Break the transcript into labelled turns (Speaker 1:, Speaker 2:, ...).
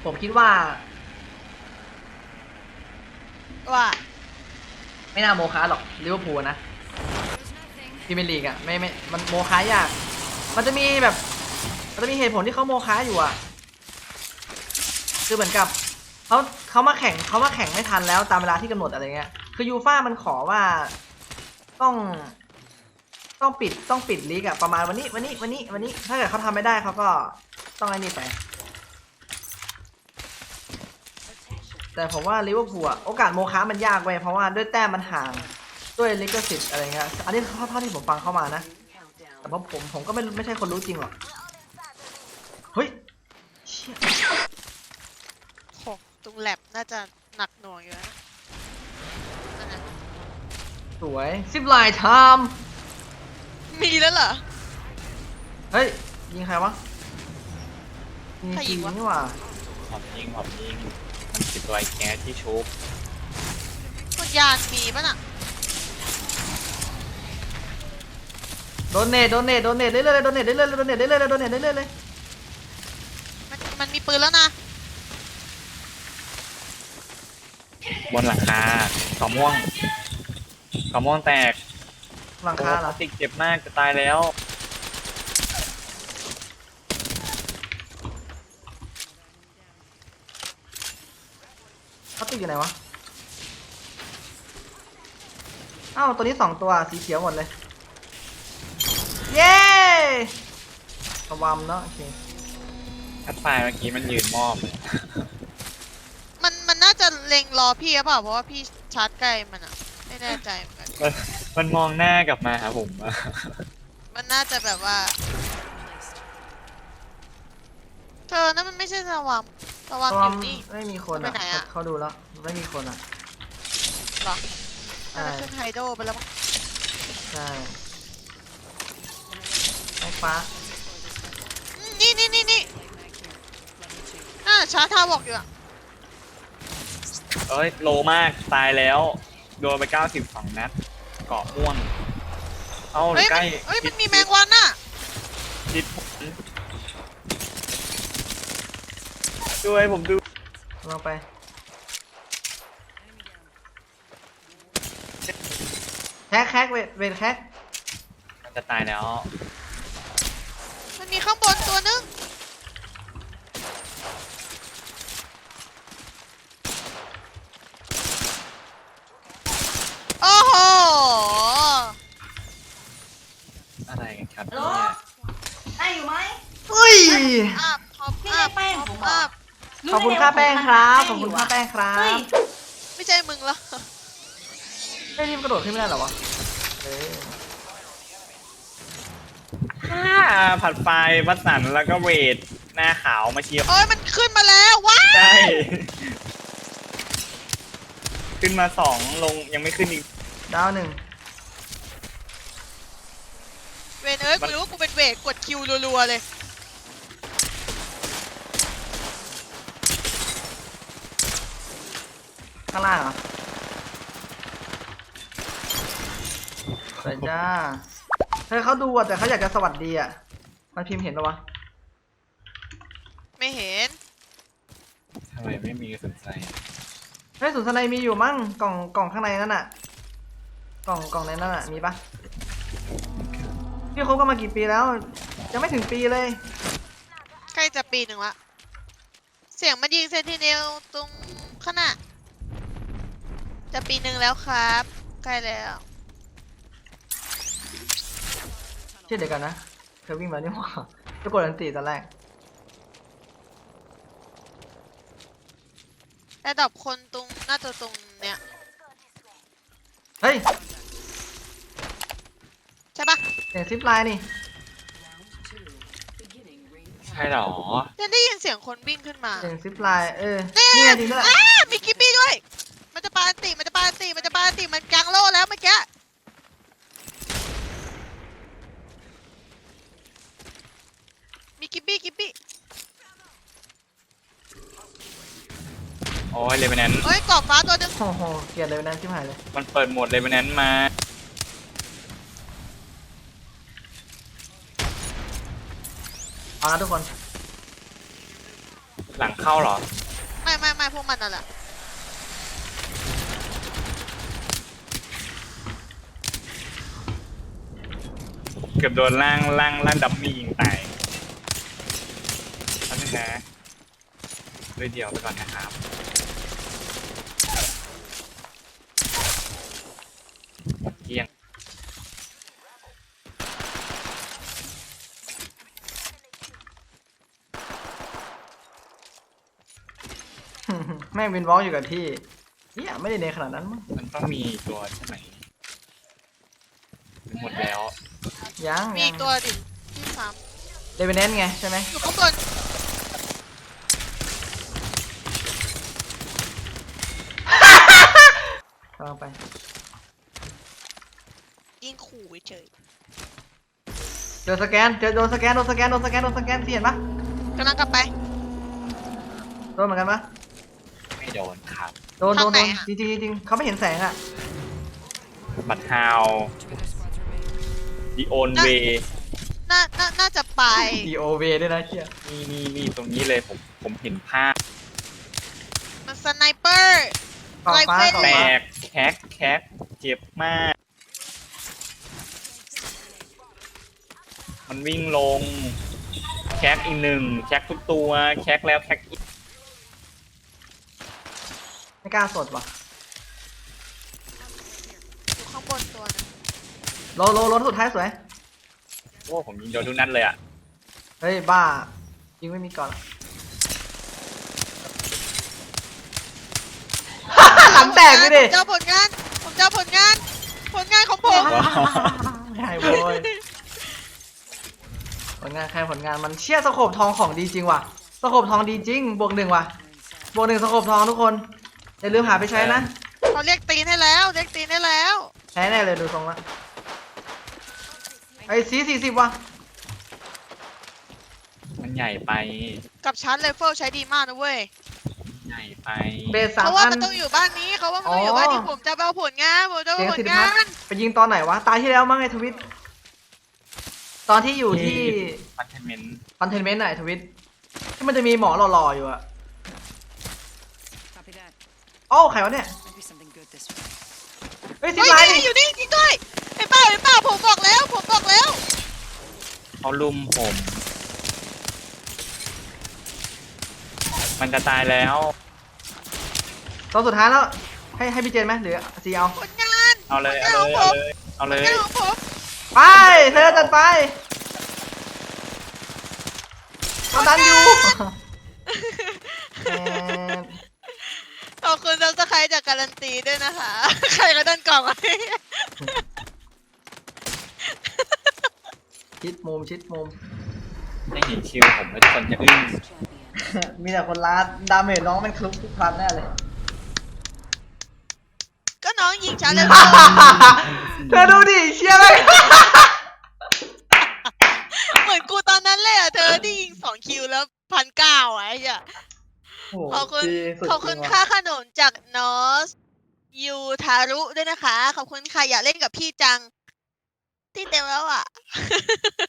Speaker 1: ผมคิดว่าไม่น่าโมคะหรอกลิเวอร์พูลนะพรีเมียร์ลีกอะไม่มันโมคะยากมันจะมีแบบมันจะมีเหตุผลที่เขาโมคะอยู่อะคือเหมือนกับเขามาแข่งไม่ทันแล้วตามเวลาที่กำหนดอะไรเงี้ยคือยูฟ่ามันขอว่าต้องต้องปิดลีกอะประมาณวันนี้ถ้าเกิดเขาทำไม่ได้เขาก็ต้องไอ้นี่ไปแต่ผมว่าลิเวอร์พูลอะโอกาสโมคะมันยากเว้ยเพราะว่าด้วยแต้มมันห่างด้วยลิขสิทธิ์อะไรเงี้ยอันนี้เท่าที่ผมฟังเข้ามานะแต่เพราะผมก็ไม่ใช่คนรู้จริงหรอกเฮ้ยเชี่ย
Speaker 2: ของตรงแลบน่าจะหนักหน่วงอยู่นะนั่นนะ
Speaker 1: สวยซิปไลน์ไทม์
Speaker 2: มีแล้วเหรอ
Speaker 1: เฮ้ยยิงใครวะยิง
Speaker 2: ใครยิ
Speaker 1: จี
Speaker 2: งวะ
Speaker 1: นี่หว่า
Speaker 3: หอมยิงมันติดตัวไอ้แก๊สที่ชุบ
Speaker 2: คนยานมีป่ะน่ะ
Speaker 1: โดนเนตเรื่อยๆโดนเนตเรื่อยๆเลย
Speaker 2: มันมีปืนแล้วนะ
Speaker 3: บนหลังคาขอม่วงแตก
Speaker 1: หลังคาเหรอ
Speaker 3: ติกเจ็บมากจะตายแล้ว
Speaker 1: เขาติดอยู่ไหนวะอ้าวตัวนี้2ตัวสีเขียวหมดเลยเย้สวามเนาะโอเค
Speaker 3: ทัดไฟเมื่อกี้มันยืนมอบ
Speaker 2: มันน่าจะเล็งรอพี่หรือเปล่าเพราะว่าพี่ชาร์จใกล้มันอ่ะไม่แน่ใจเหมือนกัน
Speaker 3: มันมองหน้ากลับมาหาผม
Speaker 2: มันน่าจะแบบว่าเธอนั่นมันไม่ใช่สวามอยู่นี่
Speaker 1: ไม่มีคนอ่ะเขาดูแล้วไม่มีคนอ่ะ
Speaker 2: หรอน่าจะขึ้นไฮโดไปแล้วมั้ง
Speaker 1: ใช่ไอ้ฟ้า
Speaker 2: นี่ชาร์จท่าบอกอยู่อ่ะ
Speaker 3: เอ้ยโลมากตายแล้วโดนไป92 นัดเกาะม่วงเอาใกล้
Speaker 2: มันมีแมงวันน่ะ
Speaker 3: จิตผมด้วยผมดู
Speaker 1: ลงไปแคกเวทแคก
Speaker 3: มันจะตายแล้ว
Speaker 2: มันมีข้างบนตัวนึงโอ้โห
Speaker 3: อะไรกันครับเนี่ย
Speaker 4: ได้อยู่ไหม
Speaker 1: อุ้ย
Speaker 4: พี่ได้แป้งผมบอก
Speaker 1: ขอบคุณค่าแป้งครับขอบคุณค่าแป้งครับ
Speaker 2: ไม่ใช่มึงแล้ว
Speaker 1: ไอ้นี่มันกระโดดขึ้นไม่ได้หรอวะ
Speaker 3: ผัดไฟวัดสันแล้วก็เวทหน้าขาวมาเชียร์
Speaker 2: โอ้ยมันขึ้นมาแล้วว้า
Speaker 3: ใช่ขึ้นมา2ลงยังไม่ขึ้นอีก
Speaker 1: ดาว1
Speaker 2: เวนกูรู้ว่ากูเป็นเวทกดคิวรัวๆเลย
Speaker 1: ข้างล่างเหรอแต่จ้าเฮ้ยเขาดูอ่ะแต่เขาอยากจะสวัสดีอ่ะมันพิมพ์เห็นปะวะ
Speaker 2: ไม่เห็น
Speaker 3: ทำไมไม่มีสนใจ
Speaker 1: เฮ้ยสุนทรมีอยู่มั้งกล่องข้างในนั่นน่ะกล่องในนั่นน่ะมีปะพี่คบกันมากี่ปีแล้วยังไม่ถึงปีเลย
Speaker 2: ใกล้จะปีหนึ่งละเสียงมันยิงเซนติเนลตรงข้างหน้าจะปีหนึ่งแล้วครับใกล้แล้ว
Speaker 1: เช่นเดียวกันนะเธอวิ่งมานี่หว่าจะกดอันตีตอนแรก
Speaker 2: แต่ดอกคนตรงหน้าตัวตรงเนี้ย
Speaker 1: เฮ้ย
Speaker 2: ใช่ปะ
Speaker 1: เสียงซิปไลน์นี่
Speaker 3: ใช่หรอ
Speaker 2: จะได้ยินเสียงคนวิ่งขึ้นมา
Speaker 1: เสียงซิปไลน์นี่จริงด้วย
Speaker 2: มีกิปปี้ด้วยมันจะปาอันติมันกลางโล่แล้วเมื่อกี้มีกิปปี้
Speaker 3: โอ้ยเลเวนแนน
Speaker 2: เฮ้ยกรอบฟ้าตัวนึง
Speaker 1: โอ้โหเกลียดเลยนั้นชิบหายเลย
Speaker 3: มันเปิดโหมดเลเวนแนนมา
Speaker 1: เอาละทุกคน
Speaker 3: หลังเข้าเหรอ
Speaker 2: ไม่พวกมันนั่นแหละ
Speaker 3: เกือบโดนล่างดัมมี่ยิงตายแล้วนะด้วยเดียวไปก่อนนะครับหมดเกลี้ยง
Speaker 1: แม่งวินวอล์กอยู่กับที่เนี่ยไม่ได้เนขนาดนั้นมั้ง
Speaker 3: มันต้องมีตัวใช่ไหมหมดแล้ว
Speaker 1: ยัง
Speaker 2: มีอีกตัวดิที่สาม
Speaker 1: เดเวนแนนไงใช่ไหม
Speaker 2: อยู่ข้างบน
Speaker 1: กำลังไป
Speaker 2: ยิงขู่เฉย
Speaker 1: เจอสแกนเจอโดนสแกนที่เห็นปะ
Speaker 2: กำลังกลับไป
Speaker 1: โดนเหมือนกันปะ
Speaker 3: ไม่โดนครับ
Speaker 1: โดน
Speaker 2: ทางไหนอะ
Speaker 1: จริงเขาไม่เห็นแสงอะ
Speaker 3: บัตฮาวดีโอนเว
Speaker 2: น่าจะไป
Speaker 1: DOV ด้วยนะเชี่ย
Speaker 3: นี่ตรงนี้เลยผมเห็นภาพ
Speaker 2: มันสไนเปอร์
Speaker 1: ขอบฟ้า
Speaker 2: ไรเฟิล
Speaker 1: ขอบ
Speaker 3: แต
Speaker 1: ฟ้าก
Speaker 3: แคกเจ็บมาก มันวิ่งลง แคกอีกหนึ่งแคกทุกตัว แคกแล้วแคกอีก
Speaker 1: ไม่กล้าสดว่ะ
Speaker 2: อยู่ข้างบนตัวนึง
Speaker 1: โลสุดท้ายสวย
Speaker 3: โอ้ผมยิงโดนทุกนัดเลยอ่ะ
Speaker 1: เฮ้ยบ้ายิงไม่มีก่อนอะหลังแตกเลยดิ
Speaker 2: ผมเจ้าผลงาน ผมเจ้าผลงาน ผลงานของผม
Speaker 1: ใช่โว้ยผลงานใครผลงานมันเชี่ยสโคปทองของดีจริงว่ะสโคปทองดีจริงบวก 1ว่ะบวก 1สโคปทองทุกคนอย่าลืมหาไปใช้นะ
Speaker 2: เขาเรียกตีนให้แล้ว เรียกตีนให้แล้ว
Speaker 1: ใช้แน่เลยดูทรงละไอ้40ว่ะ
Speaker 3: มันใหญ่ไป
Speaker 2: กับชั้นเลเฟิลใช้ดีมากนะเว้ย
Speaker 3: ใหญ่ไป
Speaker 1: เบส
Speaker 2: เพ
Speaker 1: 3
Speaker 2: ราะว่า
Speaker 1: อัน
Speaker 2: มันต้องอยู่บ้านนี้เขาว่ามันต้องอยู่บ้านนี้ผมจะไปเอาผลงาน ผมจะไป
Speaker 1: เสียง
Speaker 2: เอาผ
Speaker 1: สิ
Speaker 2: ล
Speaker 1: ทธิ
Speaker 2: งา
Speaker 1: พัฒ
Speaker 2: น
Speaker 1: น์ไปยิงตอนไหนวะตายที่แล้วมั้งไอ้ทวิตตอนที่อยู่ที่
Speaker 3: คอนเทนเมนต์
Speaker 1: คอนเทนเมนต์ไหนทวิตที่มันจะมีหมอหล่อๆอยู่อะ
Speaker 5: Copy that.
Speaker 1: โอ้าใครวะเนี่ย
Speaker 5: Might be something good this way.
Speaker 1: เฮ้ยซิ
Speaker 2: เฮ้
Speaker 1: ป
Speaker 2: ย
Speaker 1: ไลน์
Speaker 2: นี่อยู่นี่จริงด้วยไอ้เป้าผมบอกแล้ว
Speaker 3: เขาลุมผม มันจะตายแล้ว
Speaker 1: ตอนสุดท้ายแล้วให้พี่เจนไหมหรือซีเอา
Speaker 2: ผลงาน
Speaker 3: เอาเลย
Speaker 2: ผลงานของผม
Speaker 3: เอา
Speaker 2: ผ
Speaker 3: เล
Speaker 2: ล
Speaker 3: ย
Speaker 2: งานของผม
Speaker 1: ไปเธอจัดไปกำลังอยู่แอน
Speaker 2: ขอบคุณซับสไครต์จากการันตีด้วยนะคะ ใครก็ดันกล่องไว้
Speaker 1: ชิดมุม
Speaker 3: ไม่เห็นคิวผมแล้วทุกคนจะอึ้ง
Speaker 5: Champion.
Speaker 1: มีแต่คนลาดดาเมจน้องมันคลุกทุกครั้งแน่เลย
Speaker 2: ก็น้องยิงฉันเลย
Speaker 1: เธอดูดิเชี่ยเลย
Speaker 2: เหมือนกูตอนนั้นเลยอ่ะเธอที่ยิง2 คิวแล้ว1,900ไอ้เหี้ยขอบคุณขอบคุณค่าขนมจากนอสยูทารุด้วยนะคะ ขอบคุณค่ะอยากเล่นกับพี่จัง ที่เต็มแล้วอ่ะ